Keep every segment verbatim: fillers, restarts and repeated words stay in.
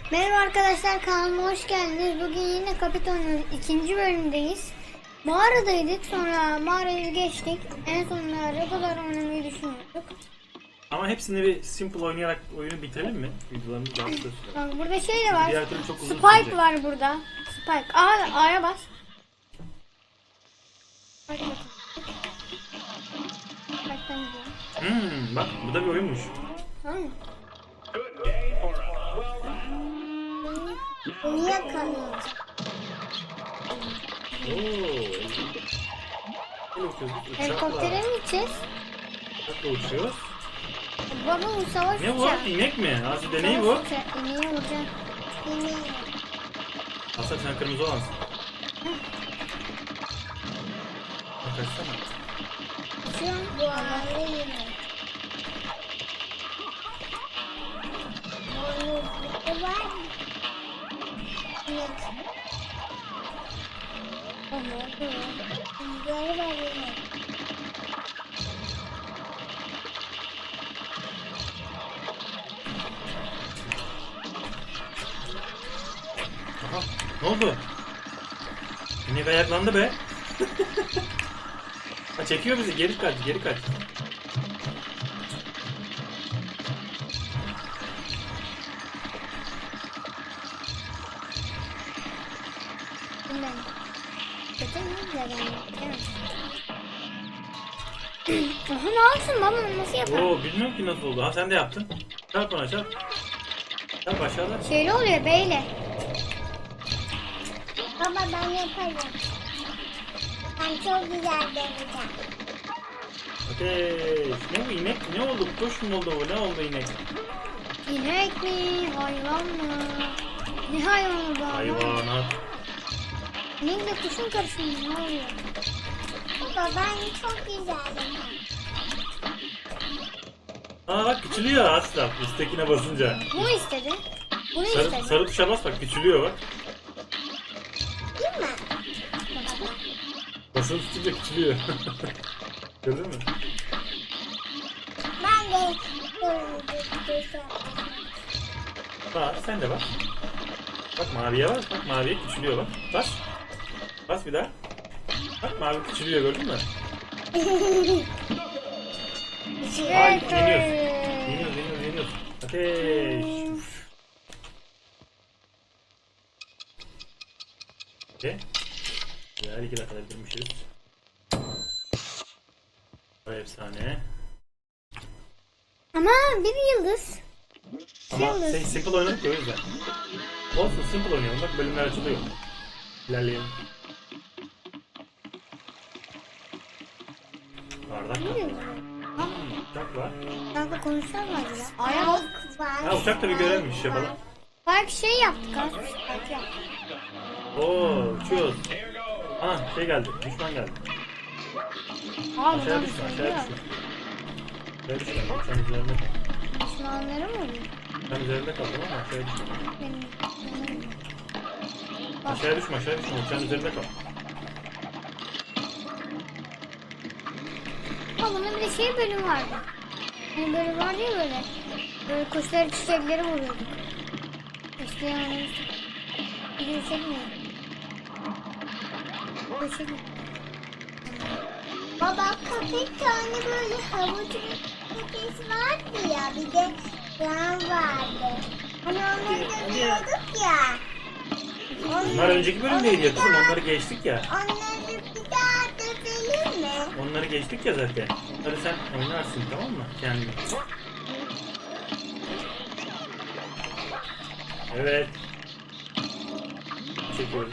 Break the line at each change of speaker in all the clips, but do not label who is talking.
Merhaba arkadaşlar, kanalıma hoş geldiniz. Bugün yine Kapiton'un ikinci bölümündeyiz. Mağaradaydık, sonra mağarayı geçtik. En sonunda Regolar oynamayı düşünüyorduk.
Ama hepsini bir simple oynayarak oyunu bitirelim mi? Videolarımız daha kısa sürer.
Bak burada şey de var.
Diğer türlü çok uzun
Spike
sürecek.
var burada. Spike. A, A'ya bas. Spike bakın. Spike'tan gidiyorum.
Hmm, bak bu da bir oyunmuş.
Tamam mı? Bunu yakalıyoruz.
Ooo. Böyle uçuyoruz.
Helikoptere mi gideceğiz?
Uçakla uçuyoruz.
Baba bu savaş
Ne bu?
uçağı.
İnek mi? Asi deneyi bu.
Savaş uçağı. İneği vuracağım. İneği.
Aslan sen kırmızı olansın. Bak kaçsana.
Uçuyorum. Bu arada yemek. Bu var mı? Yok. O ne oldu? Bunları var yemek.
Aha, ne oldu? İnek ayaklandı be. Ha, çekiyor bizi. Geri kaç, geri kaç.
Bundan. Kötü mü? Güzel yani. Aha ne yapsın baba? Nasıl yapar?
Oo, bilmiyorum ki nasıl oldu. Ha sen de yaptın. Çarp ona çarp. Çarp aşağıda.
Şeyle oluyor beyle. Baba ben yaparım. Ben çok güzel deneyeceğim.
Ateş. Ne bu inek? Ne oldu? Kuş mu oldu bu? Ne oldu inek?
İnek mi? Hayvan mı? Ne hayvanı bu?
Hayvanat.
İnekle kuşun karışımı ne oluyor? Baba ben çok güzelim.
Aa bak küçülüyor asla. Üsttekine basınca.
Bu istedi. Bunu
Sarı,
istedi.
sarı tuşa bas bak küçülüyor bak.
Değil mi?
Basılı tutunca küçülüyor. Gördün mü?
Ben de
Bak sen de bak. Bak maviye bas. Bak maviye küçülüyor bak. Bas. Bas bir daha. Bak mavi küçülüyor gördün mü? Ay yeniyoruz. Yeniyoruz yeniyoruz yeniyoruz. Ateş. Uf. Okey. Güzel iki dakikada bitirmişiz. Bu efsane.
Ama bir yıldız.
Ama
Yıldız.
şey, simple oynadık ya o yüzden. Olsun simple oynayalım bak bölümler açılıyor. İlerleyelim. Bardak
Ne
var.
diyor?
Hmm, uçak var.
Kanka konuşar mı acaba? Aya bak.
Ha uçak da bir görevmiş yapalım.
Bak şey yaptık ha. Bak yaptık.
Oo uçuyoruz. Ana şey geldi. Düşman geldi.
Abi
Aşağıya
ben
düşme aşağıya
söylüyorum.
düşme. Aşağıya düşme. Sen üzerinde kal.
Düşmanları mı oluyor?
Sen üzerinde kal tamam mı? Aşağıya düşme.
Benim düşmanlarım.
Aşağıya düşme aşağıya düşme. Sen üzerinde kal.
Ha bunun bir de şey bölüm vardı. Hani bölüm vardı ya böyle. Böyle kuşları çiçekleri vuruyorduk. İşte yani. Video çekmiyor. Video çekmiyor.
Baba köpek tane böyle havuç köpeği vardı ya, bir de yağ vardı. Hani onları dövüyorduk ya.
Bunlar önceki bölümdeydi ya kızım. Onları geçtik ya.
Onları bir daha dövelim mi?
Onları geçtik ya zaten. Hadi sen oynarsın tamam mı? Kendin. Evet. Çekiyoruz.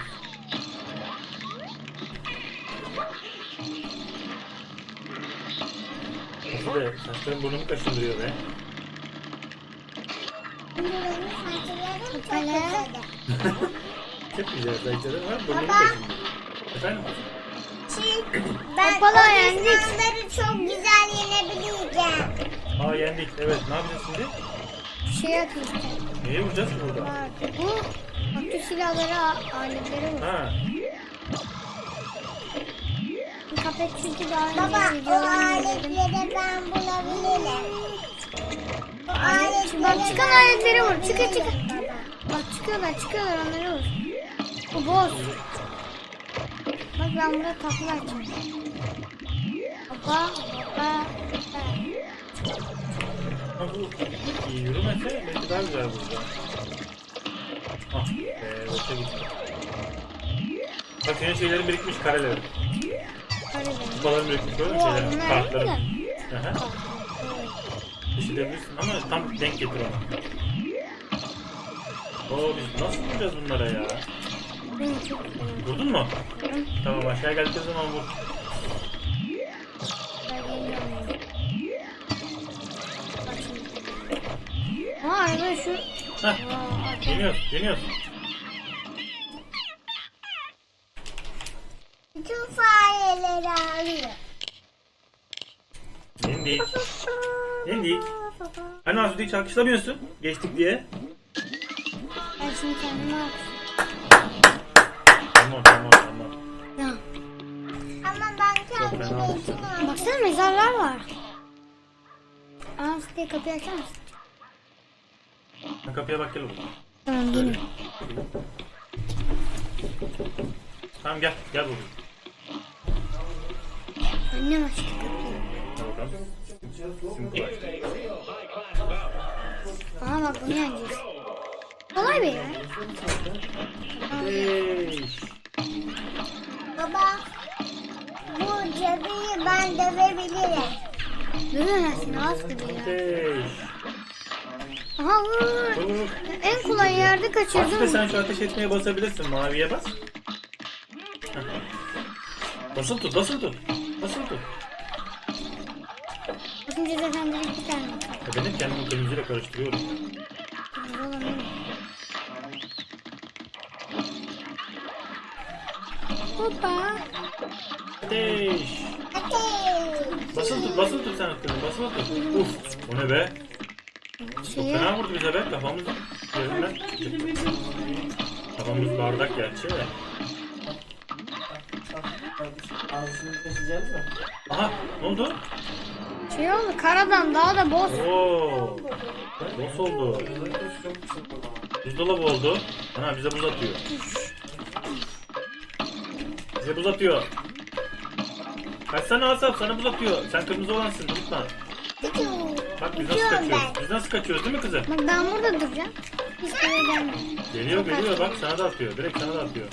Nasıl be? Saçların burnumu kaşındırıyor be.
Şimdi benim saçlarım çok
Hala.
uzadı.
Çok güzel saçların var. Burnumu
Baba.
kaşındırıyor. Efendim?
Çünkü ben
Hoppala,
o
yendik.
düşmanları çok güzel yenebileceğim.
Aa yendik. Evet. Ne yapacağız şimdi?
Şey atıyor.
Neye vuracağız ki burada?
Var. Bu atış silahları, a- aletleri var.
Ha.
Kapet çünkü daha önce
Baba o
videolarını izledim.
aletleri ben bulabilirim. O
Bak
aletleri
çıkan
ben
aletleri vur. Çıkın
bulabilirim
çıkın.
baba.
Bak çıkıyorlar çıkıyorlar onları vur. Bu boss. Bak ben burada takla açacağım. Hoppa hoppa hoppa.
Ha bu iyi yürümese belki daha güzel burada. Ah be boşa gitti. Bak senin şeylerin birikmiş kareleri.
Hadi be.
Kupaların birikmiş böyle
Oo,
şeyler.
bunlar
Kartların.
ne
Hı hı. Düşürebilirsin ama tam denk getir onu. Oo biz nasıl vuracağız bunlara ya?
Benim çok güzel.
Vurdun mu?
Vurdum.
Tamam aşağıya geldikleri zaman vur.
Ben geliyorum. Bak şimdi. Aa arada şu.
Heh
Aa, arka-
yeniyoruz yeniyoruz.
Bütün fareleri alıyor.
Yendik. Yendik. Hani Asude'yi hiç alkışlamıyorsun? Geçtik diye.
Ben şimdi kendime alkışlıyorum.
Tamam tamam tamam.
Ya.
Ama ben
Çok
kendime
fena
için aldım.
Baksana mezarlar var. Aa siteye kapıyı açar mısın?
Sen kapıya bak gel oğlum.
Tamam gelin.
Tamam gel gel oğlum.
Annem açtı kapıyı.
Gel bakalım. Simple.
Aa bak bunu yeneceğiz. Kolay be ya.
Hey.
Baba, bu cadıyı ben dövebilirim.
Dövemezsin az tabii ya.
Hey.
Aha vur vur.
Vur, vur.
En kolay yerde
Asude
kaçırdım.
sen şu ateş etmeye basabilirsin. Maviye bas. Heh. Basılı tut basılı tut. Basılı tut.
Bakınca zaten direkt bir tane.
Ya benim kendimi kırmızıyla karıştırıyorum.
Kırmızı olan benim. Hoppa.
Ateş.
Ateş.
Basılı tut basılı tut sen aklını. Basılı tut. Uf. O ne be? Çok
Şeye,
fena vurdu bize be. Kafamız yerinden çıktı. Kafamız bardak gerçi de. Aha ne oldu?
şey oldu karadan daha da boz.
Oo. Boss oldu. Buzdolabı oldu. Ana bize buz atıyor. Bize buz atıyor. Kaçsana Asaf sana buz atıyor. Sen kırmızı olansın unutma. Bak biz nasıl
Uçuyorum
kaçıyoruz. Biz nasıl kaçıyoruz değil mi kızım?
Bak ben burada duracağım. Hiç buraya gelmiyor.
Geliyor geliyor bak sana da atıyor. Direkt sana da atıyor.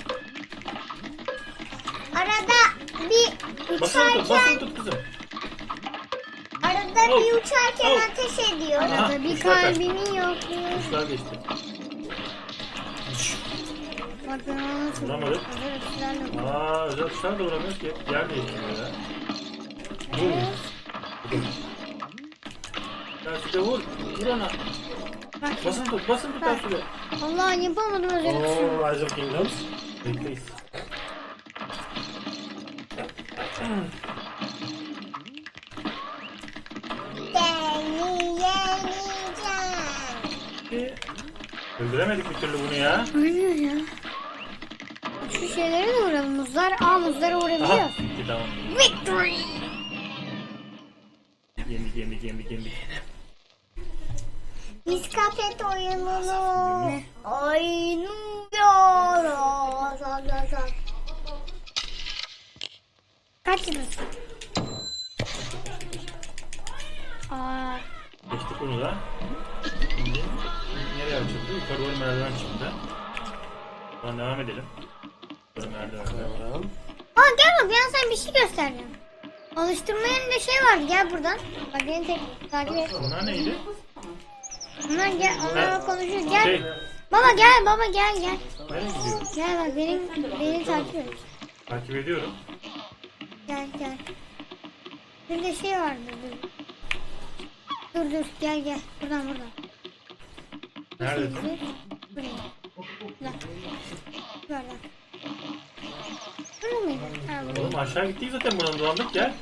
Arada bir
Basılı tut basılı
uçarken,
tut kızım.
arada
Oh.
bir uçarken
Oh.
ateş ediyor.
Aha,
Arada bir
kuşlar kaçtı.
kalbimi yokluyor.
Kuşlar geçti.
Bak ben onu nasıl
Vuramadık.
Hazır ötülerle vurdum.
Aa özel kuşlar da vuramıyoruz ki. Yer değiştiriyor ya. Vur. Ya Sude vur. Vur ona.
Bak
Basın tut basın tut Sude.
Allah yapamadım özel tuşu.
Oo Rise of Kingdoms. Bekleyiz.
Seni yeneceğim.
Öldüremedik bir türlü bunu ya.
Ölüyor ya. Şu şeylere de vuralım. Muzlar. Aa muzlara
Aha.
vurabiliyoruz.
Gitti tamam.
Victory.
Yendik yendik yendik yendik.
Miskafet oyununu
Ne?
oynuyoruz.
Kaç yıldız? Aa,
Geçtik bunu da. Şimdi nereye açıldı? Yukarı doğru merdiven çıktı. Buradan devam edelim. Yukarı merdivenler.
Aa gel bak ben sana bir şey göstereceğim. Alıştırma yerinde şey vardı gel buradan. Bak beni tek takip et.
Bunlar neydi?
Bunlar gel onlarla konuşuyoruz gel.
Şey,
Baba gel baba gel gel.
nereye gidiyor?
Gel bak benim beni takip et.
Takip ediyorum.
Gel gel. Bir de şey vardı dur. Dur dur gel gel buradan buradan.
Neredesin?
Buraya. Bak. Böyle. Burada mıydı? Ha burada.
Oğlum aşağı gittik zaten buradan dolandık gel.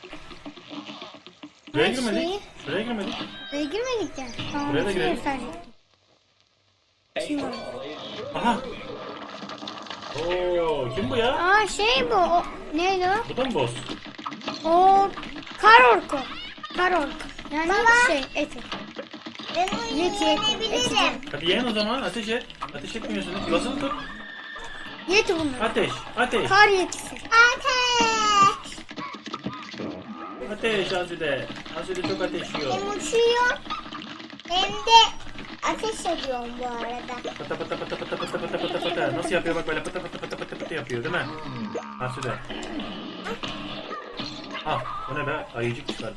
Şuraya
Her
girmedik.
şeyi-
Şuraya girmedik.
Buraya girmedik ya. Tamam,
Buraya da
bir şey
girelim.
gösterecektim. Kim bu?
Aha. Oo, kim bu ya?
Aa şey bu. O, neydi o?
Bu da mı boss?
O kar orku. Kar orku. Yani şey eti.
Ben onu
Yet, yet,
yenebilirim.
Hadi yen o zaman. Ateş et. Ateş etmiyorsun. Basılı tut.
Yeti bunlar.
Ateş. Ateş.
Kar yetisi.
Ateş.
Ateş Asude. Asude çok ateş yiyor.
Hem uçuyor hem de ateş ediyorum bu arada.
Pata pata pata pata pata pata pata pata. Nasıl yapıyor bak böyle pata pata pata pata pata yapıyor değil mi? Asude. Ah bu ne be? Ayıcık çıkardı.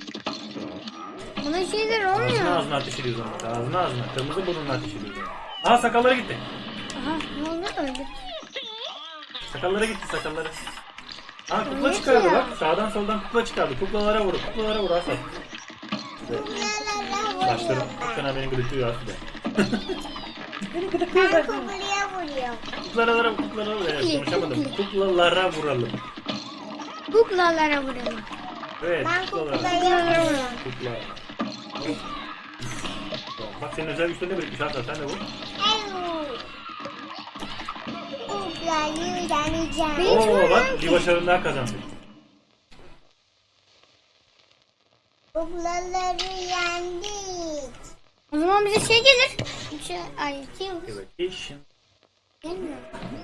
Buna şeyler
Ağzına
olmuyor.
ağzına ateş ediyor zaman. Ağzına ağzına. Kırmızı burnunla ateş ediyor zaman. Aha sakalları gitti.
Aha ne oldu öldü.
Sakalları gitti sakalları. Aa kukla
Neyse
çıkardı
ya.
bak. Sağdan soldan kukla çıkardı. Kuklalara vur. Kuklalara vur Aslan.
Kuklalara
Saçlarım
vuruyorum
çok
ben.
fena beni gıdıklıyor Asude.
Ben kuklaya vuruyorum.
Kuklalara kuklalara vur. Evet, konuşamadım. Kuklalara vuralım.
Kuklalara vuralım.
Evet
Ben
kuklalara.
kuklaya vuruyorum.
Kukla. Bak senin özel güçlerini birikmiş Aslan. Sen de vur.
Evet. Kuklayı yeneceğim.
Benim- Hiç
Oo bak
vurmuyorum
bir
ki.
başarını daha kazandık.
Kuklaları yendik.
O zaman bize şey gelir. Şey, ay kim?
Evet. Eşin.
Gelmiyor.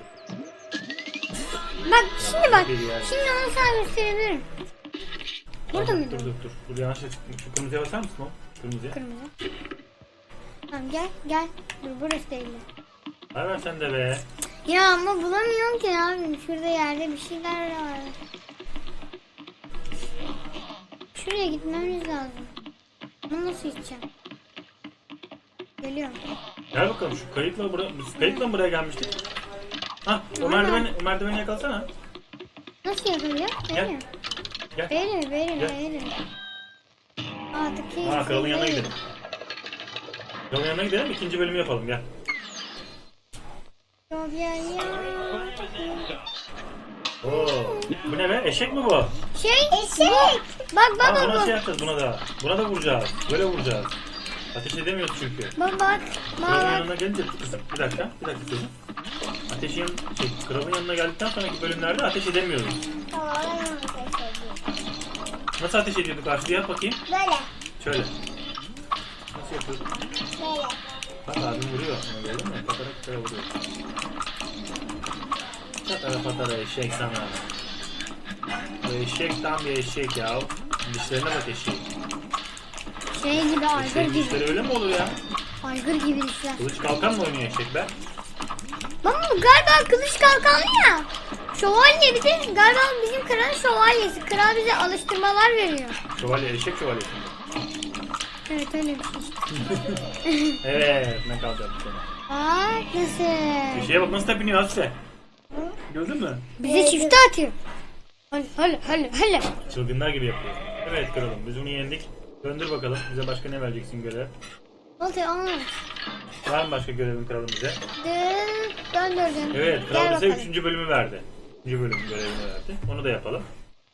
Bak şimdi bak. Şimdi onu sana gösterebilirim. Burada
Dur
mıydı?
dur dur. Dur yanlışlıkla çıktım. Şu kırmızıya basar mısın o? Kırmızıya.
Kırmızı. Tamam gel gel. Dur burası değil.
Ver ver sen de be.
Ya ama bulamıyorum ki abi. Şurada yerde bir şeyler var. Şuraya gitmemiz lazım. Bunu nasıl gideceğim? Geliyorum.
Gel bakalım şu kayıkla buraya, biz kayıkla mı buraya gelmiştik? Hah o merdiveni, o merdiveni yakalasana.
Nasıl yapılıyor?
Gel.
Böyle.
Gel.
Böyle böyle
Gel.
böyle. Artık iyi.
Aa kralın yanına gidelim. Kralın yanına gidelim ikinci bölümü yapalım gel.
Çok ya ya.
Oo, bu ne be? Eşek mi bu?
Şey.
Eşek.
Bu. Bak bak
Aa,
bak
buna
bak.
şey yapacağız buna da. Buna da vuracağız. Böyle vuracağız. Ateş edemiyoruz çünkü.
Bak bak.
Kralın
Bak.
yanına gelince kızım. Bir dakika, bir dakika kızım. Ateşin, şey, kralın yanına geldikten sonraki bölümlerde ateş edemiyoruz.
Tamam, ben onu ateş ediyorum.
Nasıl ateş ediyorduk Aslı yap bakayım.
Böyle.
Şöyle. Nasıl yapıyorduk?
Böyle.
Bak abim vuruyor. Onu gördün mü? Patara patara vuruyor. Patara patara eşek sana. Bu eşek tam bir eşek ya. Dişlerine bak eşek.
Şey gibi aygır
Eşeğin
gibi.
dişleri öyle mi olur ya?
Aygır gibi dişler.
Kılıç kalkan mı oynuyor eşekler?
Bak bu galiba kılıç kalkanlı ya. Şövalye bir de galiba bizim kralın şövalyesi. Kral bize alıştırmalar veriyor.
Şövalye, eşek şövalyesi.
Evet öyle bir şey işte.
Evet ne kalacak bu sana?
Bak nasıl.
Eşeğe bak nasıl tepiniyor Aslı. Gördün mü?
Bize çifte atıyor. Hadi hadi hadi hadi.
Çılgınlar gibi yapıyor. Evet kralım biz bunu yendik. Döndür bakalım. Bize başka ne vereceksin görev?
Oldu olmadı.
Var mı başka görevin kralım bize?
Dön, döndürdüm.
Evet kral
Gel
bize
bakalım.
üçüncü bölümü verdi. Üçüncü bölüm görevini verdi. Onu da yapalım.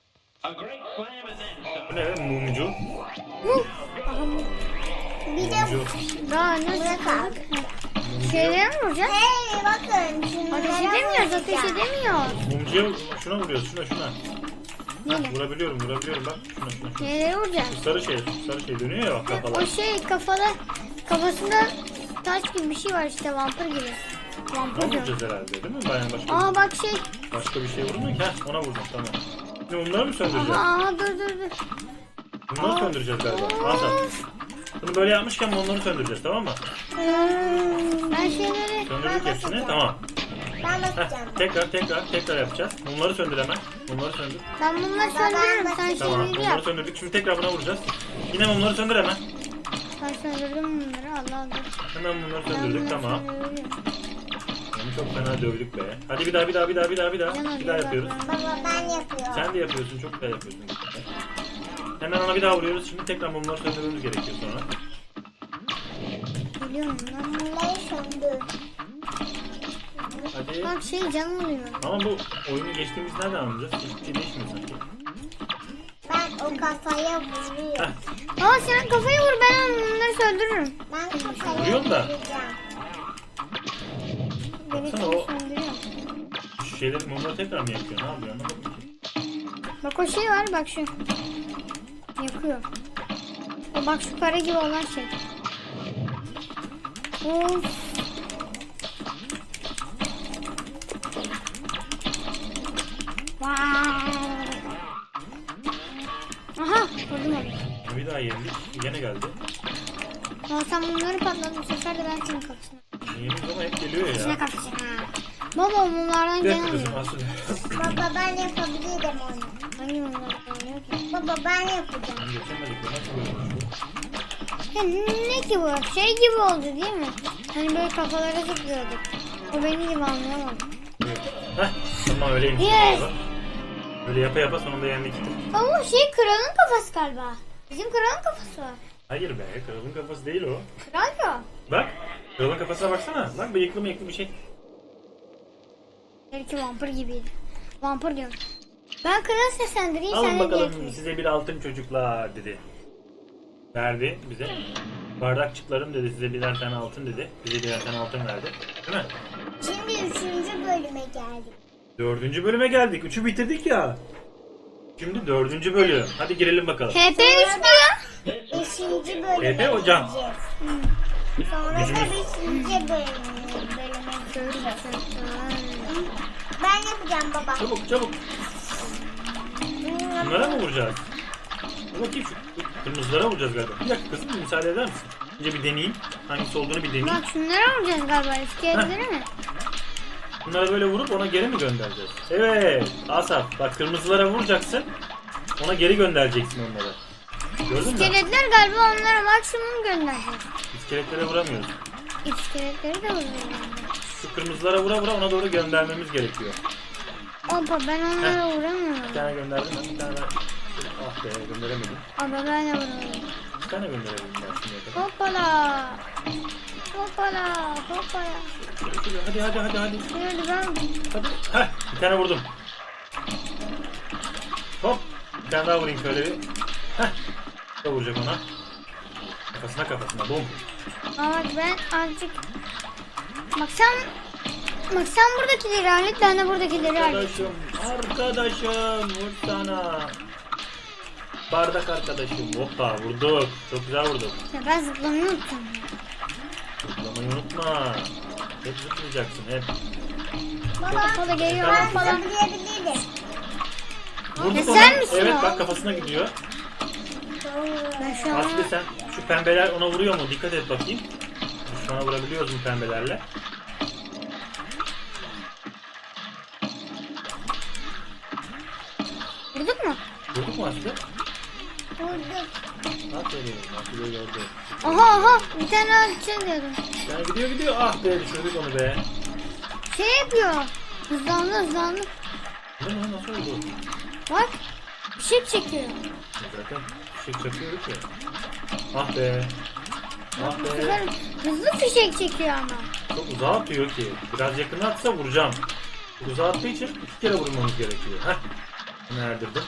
Bu ne be? Mumcu.
Mu. Aha mu.
Bir de
Mumcu.
Daha nasıl
Bırak
kaldık? Şeylere mi vuracağız?
hey bakın şunlara
Ateş edemiyoruz, ateş
vuracağım.
edemiyoruz.
Mumcuya şuna vuruyoruz. Şuna şuna.
Neyle?
Vurabiliyorum vurabiliyorum bak. Şuna şuna. şuna.
Neylere vuracağız?
Sarı şey. Sarı şey dönüyor ya bak
O
kafalar.
şey kafalı, kafasında taş gibi bir şey var işte vampir gibi.
Ona
Vampir diyorum.
vuracağız herhalde değil mi? Bayan başka,
Aa bak şey.
başka bir şey vurmuyor ki. Heh, ona vurdum tamam. Şimdi bunları mı söndüreceğiz?
Aha, aha dur dur dur.
Bunları
Aa.
söndüreceğiz galiba. Hasan. Bunu böyle yapmışken onları söndüreceğiz tamam mı?
Hmm, ben şeyleri...
Söndürdük hepsini tamam.
Ben
Heh,
bakacağım.
tekrar tekrar tekrar yapacağız. Mumları söndür hemen. Mumları söndür.
Ben bunları söndürürüm. Sen
Tamam
şeyleri
mumları
yap.
söndürdük. Şimdi tekrar buna vuracağız. Yine mumları söndür hemen.
Ben söndürdüm bunları. Allah Allah.
Hemen mumları
Ben
söndürdük
bunları
tamam.
söndürüyorum.
Onu çok fena dövdük be. Hadi bir daha bir daha bir daha bir daha bir daha.
Yalan,
Bir daha
yalan.
yapıyoruz.
Baba ben yapıyorum.
Sen de yapıyorsun çok güzel yapıyorsun. Hemen ona bir daha vuruyoruz. Şimdi tekrar mumları söndürmemiz gerekiyor sonra.
Biliyorum lan.
Bunları söndür.
Hadi.
Bak şey canım oluyor.
Ama bu oyunu geçtiğimiz nereden anlayacağız? Hiçbir şey değişmiyor sanki.
Ben o kafaya vuruyorum.
Heh,
Ama sen kafayı vur ben onları söndürürüm.
Ben kafaya
Vuruyorum da.
vuracağım.
Ben
Baksana
hepsini
o-
söndürüyorum.
şu şeyleri mumları tekrar mı yakıyor? Ne yapıyor anlamadım ki.
Bak o şey var bak şu. Yakıyor. O bak şu kare gibi olan şey. Of. Vay. Aha vurdum onu.
Bir daha yendik. Yine geldi.
Ya sen bunları patladın bu sefer de ben senin kafasına.
Yendik ama hep geliyor
İçine
ya.
kapışın ha. Baba bunlardan
Gel
gelmiyor.
kızım asıl.
Baba ben yapabilirim onu.
Hangi bunlardan gelmiyor ki?
Baba ben yapacağım.
Geçemedik. Nasıl böyle olmuş bu?
Ya ne ki bu? Şey gibi oldu değil mi? Hani böyle kafalara zıplıyorduk. O benim gibi anlayamadım.
Heh, tamam öyleymiş.
Yes.
Böyle yapa yapa sonunda yendik.
Ama şey kralın kafası galiba. Bizim kralın kafası var.
Hayır be, kralın kafası değil o.
Kral ya.
Bak, kralın kafasına baksana. Bak bıyıklı mıyıklı bir şey.
Belki vampir gibiydi. Vampir diyorum. Ben kral seslendireyim sen
Alın
de
bakalım
diğer-
size bir altın çocuklar dedi. Verdi bize. Bardakçıklarım dedi size birer tane altın dedi. Bize birer tane altın verdi. Değil mi?
Şimdi üçüncü bölüme geldik.
Dördüncü bölüme geldik. Üçü bitirdik ya. Şimdi dördüncü bölüm. Hadi girelim bakalım.
H P üç diyor.
Beşinci bölüme
Efe hocam.
gideceğiz. Sonra da
Gücümüz.
beşinci bölüme, bölüme gideceğiz. Ben yapacağım baba.
Çabuk çabuk. Bunlara mı vuracağız? Dur bakayım şu kırmızılara vuracağız galiba. Bir dakika kızım müsaade eder misin? Önce bir deneyeyim. Hangisi olduğunu bir deneyeyim.
Bak şunları alacağız galiba. İskeletlere mi?
Bunları böyle vurup ona geri mi göndereceğiz? Evet. Asaf bak kırmızılara vuracaksın. Ona geri göndereceksin onları. Gördün mü?
İskeletler galiba onlara maksimum göndereceğiz.
İskeletlere vuramıyoruz.
İskeletleri de vuruyor.
Şu kırmızılara vura vura ona doğru göndermemiz gerekiyor.
Hoppa ben onlara
Bir
vuramıyorum.
tane gönderdim ben bir tane ben. Ah be gönderemedim.
Ama ben de vuramıyorum.
Bir tane gönderemedim ben şimdiye kadar.
Hoppala. Hoppala. Hoppala.
Hadi hadi hadi hadi.
Hadi ben.
Hadi. Heh, bir tane vurdum. Hop. Bir tane daha vurayım şöyle bir. Heh. Da vuracak ona. Kafasına kafasına. Bum.
Ama bak ben azıcık. Bak sen. Bak sen buradakileri hallet. Ben de buradakileri hallet.
Arkadaşım. Arkadaşım. Vur sana. Bardak arkadaşım. Hoppa vurduk. Çok güzel vurduk.
Ya ben zıplamayı unuttum.
Zıplamayı unutma. Hep zıplayacaksın hep.
Baba
Hoppala geliyor.
Efendim?
Hoppala.
yapabilirim.
Vurduk
Ya
onu.
sen misin
Evet
o?
bak kafasına gidiyor.
Ben şu an.
Aslı sen şu pembeler ona vuruyor mu? Dikkat et bakayım. Şu an vurabiliyoruz mu pembelerle?
Vurduk mu?
Vurduk mu Aslı?
Vurduk.
Aferin. Aslı'yı gördü.
Aha aha. Bir tane daha şey diyordum.
Yani gidiyor gidiyor. Ah be düşürdük onu be.
Şey yapıyor. Hızlandı hızlandı.
Ne lan nasıl oldu?
Bak. Şık çekiyor.
Zaten fişek çakıyoruz ya. Ah be. Ah
Bu
be.
sefer hızlı fişek çekiyor ama.
Çok uzağa atıyor ki. Biraz yakına atsa vuracağım. Çok uzağa attığı için iki kere vurmamız gerekiyor. Heh. Bunu erdirdim.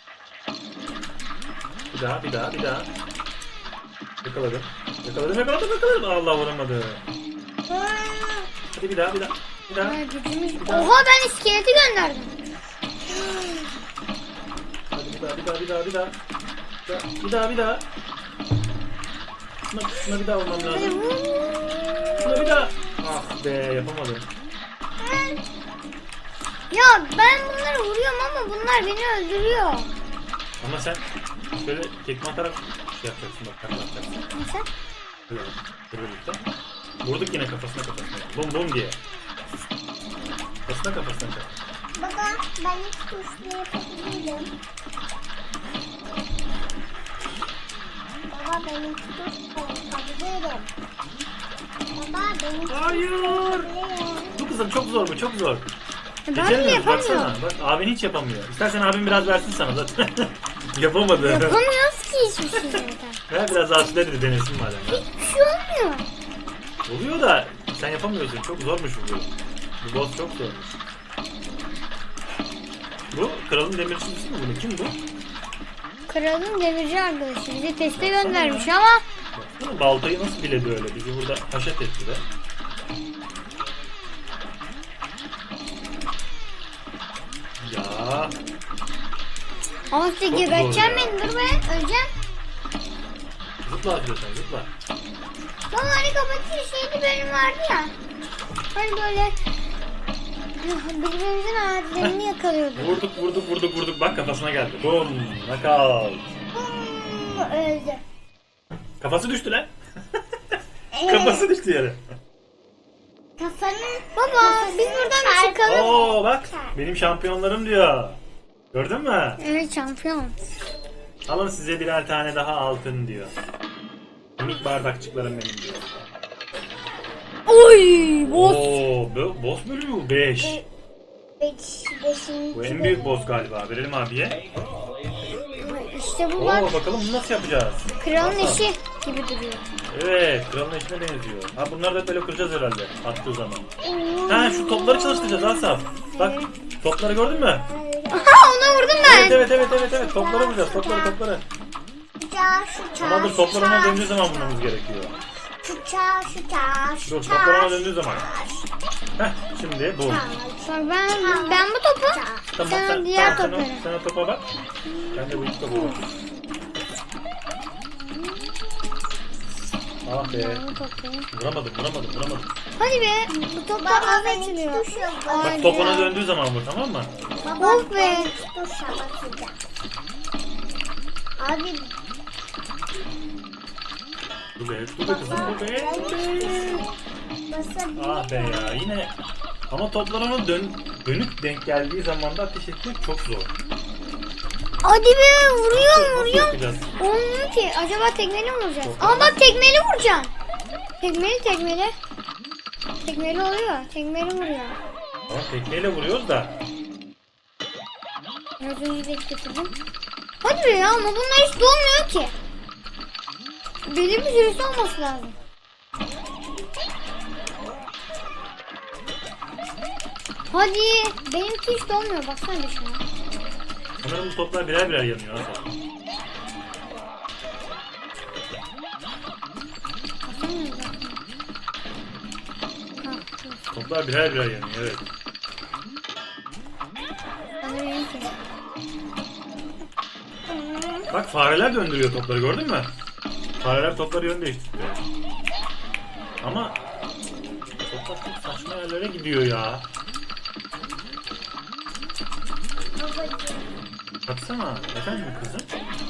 Bir daha bir daha bir daha. Yakaladım. Yakaladım yakaladım yakaladım. Allah vuramadı. Hadi bir daha bir daha. Bir daha.
Ay, gücümüz... Oha ben iskeleti gönderdim.
Hadi bir daha bir daha bir daha bir daha. Bir daha bir daha. Şuna, şuna bir daha vurmam
Hadi
lazım.
vur.
Şuna bir daha. Ah be yapamadım.
Ya ben bunları vuruyorum ama bunlar beni öldürüyor.
Ama sen şöyle tekme atarak şey yapacaksın bak takla atacaksın.
Nasıl?
Böyle böyle birlikte. Vurduk yine kafasına kafasına. Bum bum diye. Kafasına kafasına çak.
Baba ben hiç tuşlu yapabilirim. Baba benim tuşlu yapabilirim. Baba benim
Hayır.
yapabilirim.
Bu kızım çok zor bu çok zor.
Ben de
Beceremiyoruz
yapamıyorum.
baksana. Bak abin hiç yapamıyor. İstersen abin biraz versin sana zaten. Yapamadı.
Yapamıyoruz ki hiçbir şey zaten.
Ben biraz Aslı dedi denesin madem. ya.
Hiçbir şey olmuyor.
Oluyor da sen yapamıyorsun. Çok zormuş bu. Bu boss çok zormuş. Bu kralın demircisi mi bunu? Kim bu?
Kralın demirci arkadaşı bizi teste göndermiş ama
Baksana baltayı nasıl biledi öyle? Bizi burada haşet etti de. Ya
ama size
Çok
geberteceğim
zor ya.
beni dur be öleceğim.
zıpla atıyorsan zıpla.
Baba hani kapatış şeyli bölüm vardı ya. Hani böyle birbirimizin ağaçlarını yakalıyorduk.
Vurduk vurduk vurduk vurduk. Bak kafasına geldi. Bum. Knockout.
Hmm, öldü.
Kafası düştü lan.
Evet.
Kafası düştü yere.
Kafanın
Baba biz buradan bir çıkalım.
Oo bak. Benim şampiyonlarım diyor. Gördün mü?
Evet şampiyon.
Alın size birer tane daha altın diyor. Minik bardakçıklarım benim diyor.
Oy boss.
Oo, bo- boss bölümü bu beş.
beş, beşinci
Bu en büyük boss galiba. Verelim abiye.
İşte bu bak
Oo bakalım bunu nasıl yapacağız?
kralın
Nasıl?
eşi gibi duruyor.
Evet, kralın eşine benziyor. Ha bunları da böyle kıracağız herhalde attığı zaman. Ha şu topları çalıştıracağız Asaf. Bak topları gördün mü?
Aha ona vurdum ben.
Evet evet evet evet evet topları vuracağız topları topları.
Çağ şu çağ.
Ama dur toplar ona döndüğü zaman vurmamız gerekiyor.
Şu çağ şu çağ şu
Dur
çağ.
toplar ona döndüğü zaman. Heh şimdi bu.
Bak ben ben bu topu
Tamam
sen
sen,
diğer
tamam, sen,
topları.
o, sen o topa bak. Ben de bu iki topa bakayım. Ah be.
Ben bu topları.
Vuramadım vuramadım vuramadım.
Hadi be bu toplar
Baba
nasıl
ben
açılıyor?
hiç tuş yok.
Bak
Hadi
top ona
ya.
döndüğü zaman vur tamam mı?
Baba
Of be.
ben hiç tuşa basacağım. Abi
Dur be dur be kızım dur be.
basabilirim.
Ah be ya yine. Ama toplar ona dön, dönük denk geldiği zaman da ateş etmek çok zor.
Hadi be vuruyorum
Nasıl
vuruyorum.
yapacağız?
Olmuyor ki. Acaba tekmeli mi vuracağız?
Çok
Ama bak tekmeli vuracağım. Tekmeli tekmeli. Tekmeli oluyor. Tekmeli vuruyor.
Ama tekmeyle vuruyoruz da.
Az önce de getirdim. Hadi be ya ama bunlar hiç dolmuyor ki. Belli bir süresi olması lazım. Hadi. Benimki hiç dolmuyor. Baksana bir şuna.
Sanırım bu toplar birer birer yanıyor Hasan.
Baksana bir bak. Ha, dur.
Toplar birer birer yanıyor evet.
Bana benimki.
Bak fareler döndürüyor topları gördün mü? Fareler topları yön değiştiriyor. Ama toplar çok saçma yerlere gidiyor ya. Baksana efendim kızım.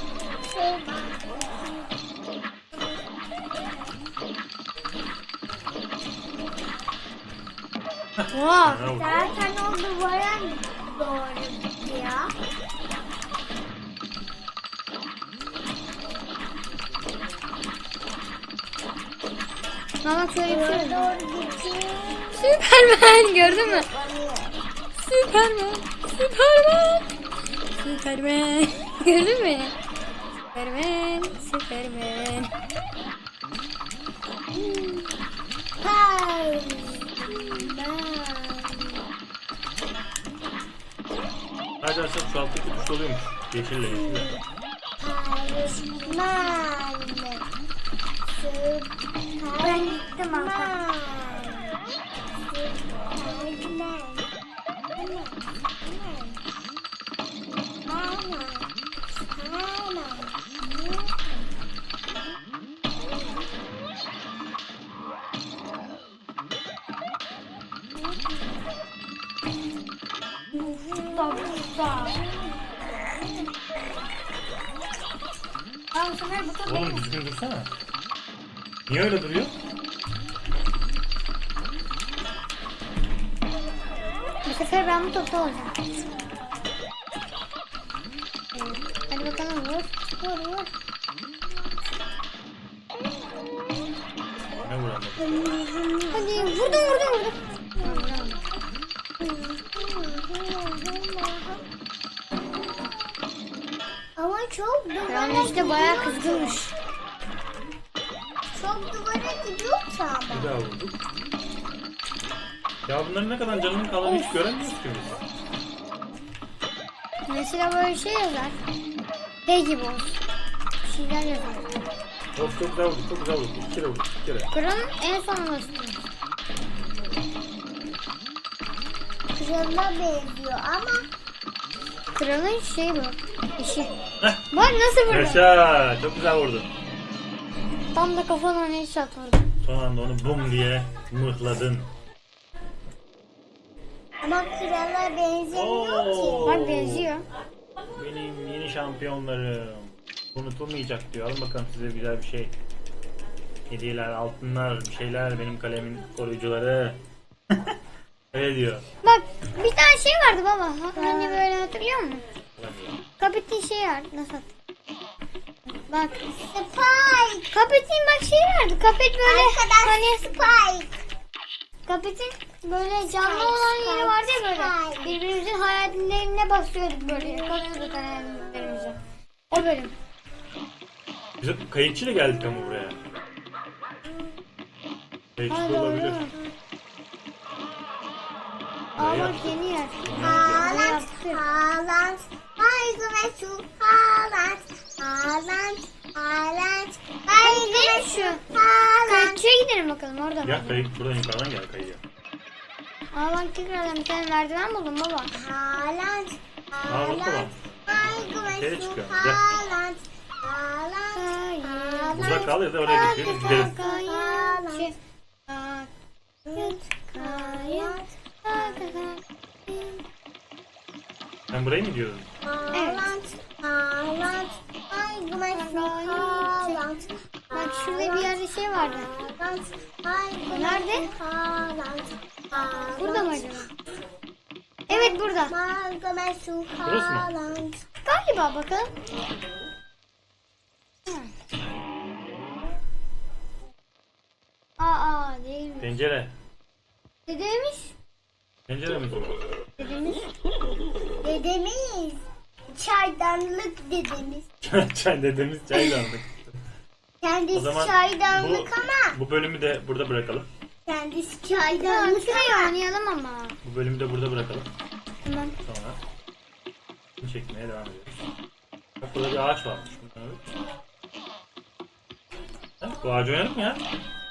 Vaa.
Ha, vur.
Zaten o duvara doğru gidiyor.
Ha bak şöyle bir şey
Duvara
var.
doğru gidiyor.
Süpermen gördün mü? Süpermen. Süpermen. Süpermen. Gördün mü? Süpermen. Süpermen.
Hey.
Hadi Hasan şu alttaki tuş oluyormuş. Yeşille yeşille.
Ben gittim ama.
Oğlum düzgün dursana. Niye öyle duruyor?
Bu sefer ben bu topta olacağım. Evet. Hadi bakalım vur. Vur vur.
Ne vuramadım?
Hadi vurdum vurdum vurdum.
Ama çok duvara
Yani işte bayağı
gidiyor.
kızgınmış.
Çok duvara gidiyor ki ama.
Bir daha vurduk. Ya bunların ne kadar canının kalanı hiç göremiyoruz ki biz.
Mesela böyle şey yazar. Hey gibi olsun. Bir şeyler yazar.
Of çok güzel vurduk, çok güzel vurduk. İki kere vurduk, iki kere.
Kralın en son olması.
Krala benziyor ama
Kralın şey bu. İşi.
Heh.
Bak nasıl vurdu.
Yaşa, çok güzel vurdun.
Tam da kafana headshot vurdu.
Son anda onu bum diye mıhladın.
Ama krala benzemiyor ki.
Bak benziyor.
Benim yeni şampiyonlarım. Unutulmayacak diyor. Alın bakalım size güzel bir şey. Hediyeler, altınlar, bir şeyler. Benim kalemin koruyucuları. Öyle diyor.
Bak bir tane şey vardı baba. Hani böyle hatırlıyor musun? Kapitin şey vardı. Nasıl hatırlıyorum? Bak.
Spike.
Kapitin bak şey vardı. Kapit böyle
Arkadaş
hani
Spike.
Kapitin böyle canlı
Spike,
olan yeri
Spike,
vardı ya böyle.
Spike.
Birbirimizin hayallerine basıyorduk böyle. Yakalıyorduk hayallerimizi. O bölüm.
Biz hep kayıkçıyla geldik ama buraya. Kayıkçı
Ha
da
doğru.
olabilir.
Aa bak yeni yer. Ne
Haaland.
yaptı?
Haaland. Haydi ve şu Haaland. Haaland. Haaland. Haydi ve şu Haaland.
Kayıkçıya gidelim bakalım orada.
Ya kayık buradan yukarıdan gel kayıya.
Aa bak tekrardan bir tane merdiven buldum baba.
Haaland.
Aa bak baba.
Haydi ve
Şeye
şu
çıkıyor, gel.
Haaland. Haaland. Haaland.
Burada kal ya da oraya gidelim biz gideriz.
Kayıkçı. Kayık. Kayık.
Sen buraya mı gidiyorsun?
Haaland. Haaland. Haydi ve şu Haaland.
Bak şurada bir yerde şey vardı.
Haaland. Haydi ve
Nerede?
şu Haaland. Haaland.
Burada mı acaba? Evet burada.
Haydi ve şu
Burası mı?
Haaland.
Galiba bakalım. Aa, aa değil mi?
Tencere.
Dedemiz.
Tencere mi?
Dedemiz.
Dedemiz. Çaydanlık dedemiz.
Çay dedemiz çaydanlık.
Kendisi
O zaman bu,
çaydanlık ama
bu bölümü de burada bırakalım.
kendisi
Ya
çaydanlık
şuraya
ama
oynayalım ama.
Bu bölümü de burada bırakalım.
Tamam.
Sonra bunu çekmeye devam ediyoruz. Bak burada bir ağaç varmış. Bunu alalım. Ha, bu ağacı oynayalım mı ya?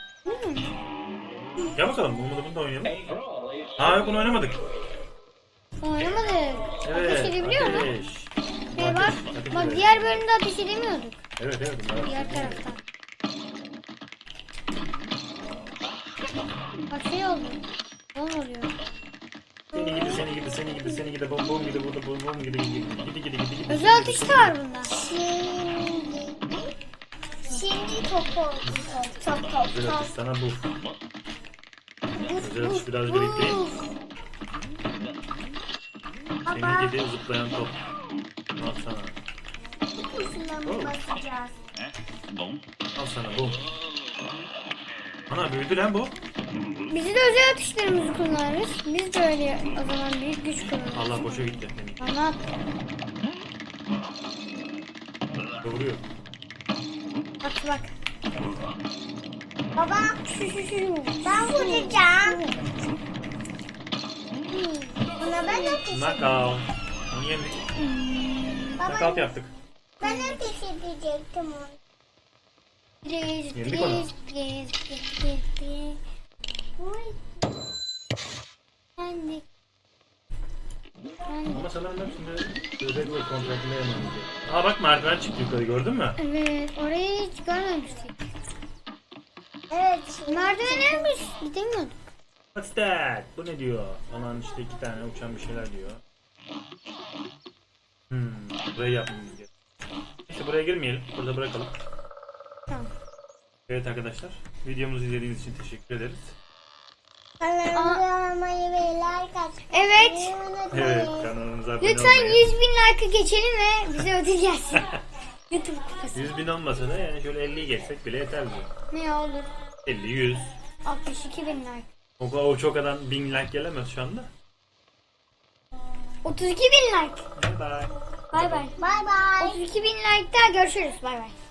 Gel bakalım. Bunu da bunu da oynayalım. Aa yok bunu oynamadık.
Oynamadık.
Evet.
Ateş edebiliyor mu?
ateş.
Şey
Ateş,
bak,
ateş
bak
edelim.
diğer bölümde ateş edemiyorduk.
Evet evet. Bunlar
Diğer taraftan. Bak şey oldu. Ne oluyor?
Seni gidi seni gidi seni gidi seni gidi bom bom gidi burada bom bom gidi gidi gidi gidi gidi gidi.
Özel atış da var bunda.
şimdi şimdi top oldu. Top top top.
Özel atış sana bu. Özel atış biraz biriktireyim.
Baba
Seni gidi zıplayan top. Al sana.
kuşuna mı basacağız?
Al sana bu. Ana büyüdü lan bu.
Biz de özel atışlarımızı kullanırız. Biz de öyle o zaman büyük güç kullanırız.
Allah boşa gitti.
Anlat.
Vuruyor.
Bak bak.
Baba
Şu şu şu.
ben vuracağım. Buna ben ateş
Knockout. Onu yendik. Knockout
Baba
yaptık.
ben ateş edecektim onu.
Please,
Yendik onu.
please, please, please, please, please.
Uy.
Yendik. Yendik.
Ama sanırım ben şimdi özel bir kontratında yememiz gerekiyor. Aa bak merdiven çıktı yukarı gördün mü?
Evet, orayı hiç görmemiştik.
Evet.
Merdivenlermiş, gidemiyorduk.
What's that? Bu ne diyor? Aman işte iki tane uçan bir şeyler diyor. Hmm, burayı yapmamız gerekiyor. İşte buraya girmeyelim. Burada bırakalım.
Tamam.
Evet arkadaşlar. Videomuzu izlediğiniz için teşekkür ederiz.
Kanalımıza olmayı ve like atmayı
Evet.
unutmayın.
Evet kanalımıza abone
Lütfen
olmayı.
yüz bin like'ı geçelim ve bize ödül gelsin. YouTube kupası.
yüz bin olmasa da yani şöyle elliyi geçsek bile yeter bu.
Ne olur?
elli, yüz.
altmış iki bin like.
O, o çok adam bin like gelemez şu anda.
otuz iki bin like.
Bye bye.
Bay bay.
Bye bye.
otuz iki bin like'da görüşürüz. Bay bay.